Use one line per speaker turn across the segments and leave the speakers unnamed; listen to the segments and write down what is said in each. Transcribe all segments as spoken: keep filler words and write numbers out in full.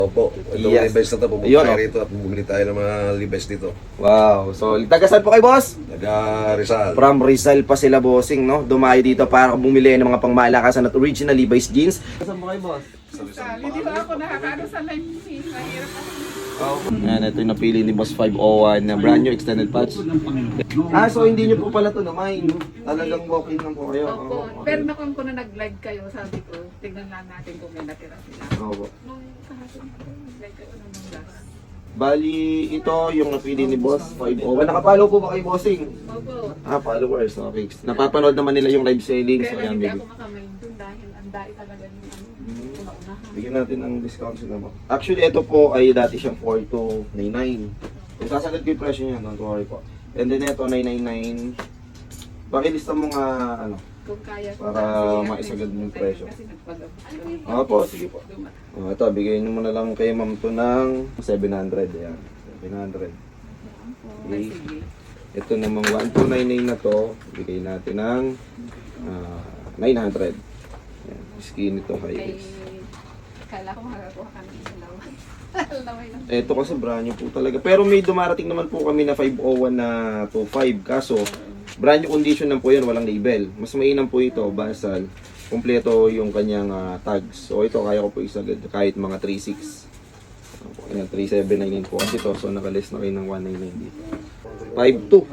Opo, itong
Yes.
Levi's na ito, pupunta
Ayun,
tayo
oh.
rito at bumili tayo ng mga Levi's dito.
Wow. So, taga saan po kayo, boss?
Taga Rizal.
From Rizal pa sila, bossing, no? Dumayo dito para bumili ng mga pangmalakasan at original Levi's jeans. Saan po kayo, boss?
Sa Rizal.
Hindi ba ako nakakaano sa live ni mahirap ako.
Ayan, ito yung napili ni Boss five oh one na brand new extended patch. Ah, so hindi nyo po pala ito naman. Talagang walking lang po kayo.
Opo.
Oo,
Pero
okay.
nakon ko na nag-live kayo, sabi ko, tignan lang natin kung may natira sila.
Opo.
Nung kahapon ko, nag-live kayo ng mga last.
Bali, ito yung napili ni Boss five oh one. Nakapalo po ba kayo, bossing?
Opo.
Ah, followers. Okay. Napapanood naman nila yung live selling. So,
Pero
ayan,
hindi
baby.
ako makamain dun dahil ang dai talaga yung ano, una-unahan.
Bigyan natin ng discount sila mo. Actually, ito po ay dati siyang four two nine nine. Kung sasagad ko yung presyo niya, don't worry po. And then ito, nine nine nine. Pakilista mo nga, ano.
Kung kaya ko.
Para
Kasi
maisagad mo yung
kasi
presyo.
Kasi nagpag-
Opo, sige po. Oh, ito, bigyan nyo muna lang kay ma'am to ng seven hundred. Ayan, seven hundred.
Ay, sige.
Ito namang one two nine nine na to, bigay natin ng ah, nine hundred. Ayan, skin ito, high
Kay,
waist.
kala ko makakakuha ka ng ilaw. Laway lang.
Ito kasi brand new po talaga. Pero may dumarating naman po kami na five oh one na two five. Kaso, brand new condition lang po yan, walang label. Mas mainam po ito, basal. Kompleto yung kanyang ah, tags. So ito, kaya ko po isagad kahit mga three six. Ayan, three seven nine nine po kasi ito. So nakalist na kayo ng one nine nine dito. five two.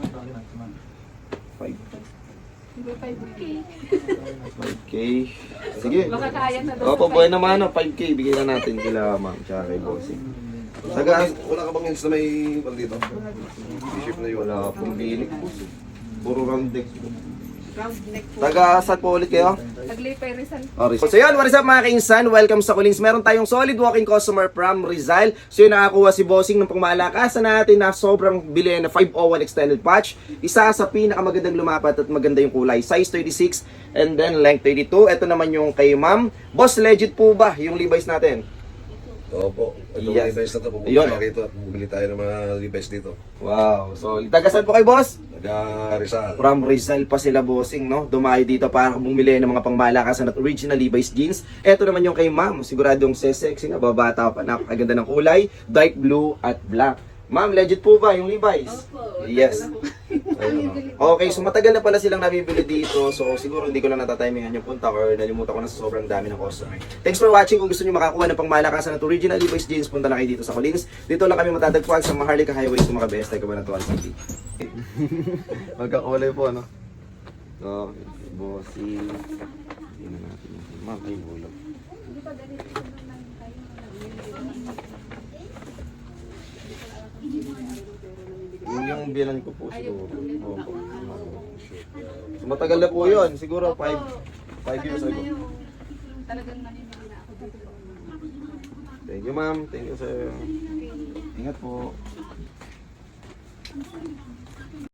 five
Hindi five K.
five K. Sige.
Makakaya na daw
Opo,
sa
buhay
five K.
naman, no, five K. Bigyan na natin kila ma'am, tsaka kay bossing.
Wala
Taga,
ka bang, wala ka bang hints na may pal dito? T-shirt na yun.
wala pong bilik po. Puro round deck po.
Round neck po.
Taga, saan po ulit kayo?
Taglipay Rizal.
So yun, what is up mga kainsan? Welcome sa Kulings. Meron tayong solid walking customer from Rizal. So yun, nakakuha si Bossing ng pangmalakasan natin na sobrang bilhin na five oh one extended patch. Isa sa pinakamagandang lumapat at maganda yung kulay. Size thirty-six and then length thirty-two. Ito naman yung kay ma'am. Boss, legit po ba yung Levi's natin?
Opo, itong
Yes.
Levi's na ito, pupunta
Ayun,
tayo
oh.
rito at bumili tayo ng mga Levi's dito.
Wow. So, taga saan po kayo, boss?
Taga Rizal.
From Rizal pa sila, bossing, no? Dumayo dito para bumili ng mga pangmalakasan at original Levi's jeans. Ito naman yung kay ma'am. Siguradong sexy nga, babata pa, napakaganda ng kulay. Dark blue at black. Ma'am, legit po ba yung Levi's?
Opo.
Yes.
Ayun.
Okay, so matagal na pala silang nabibili dito. So siguro hindi ko na natatimingan yung punta or nalimutan ko na sa sobrang dami ng customer. Thanks for watching. Kung gusto niyo makakuha ng pangmalakasan at original Levi's jeans, punta na kayo dito sa Collins. Dito lang kami matatagpuan sa Maharlika Highway sa mga best. Cabanatuan City. Magkakulay po, ano? Okay, bossy. Tingnan natin. Ma'am, ay bulog.
Hindi pa ganito yung nang
Yung, yung bilan ko po siguro. Opo. So, matagal na po yun. Siguro five five years ago.
Talagang nanimili na ako dito.
Thank you, ma'am. Thank you, sir. Ingat po.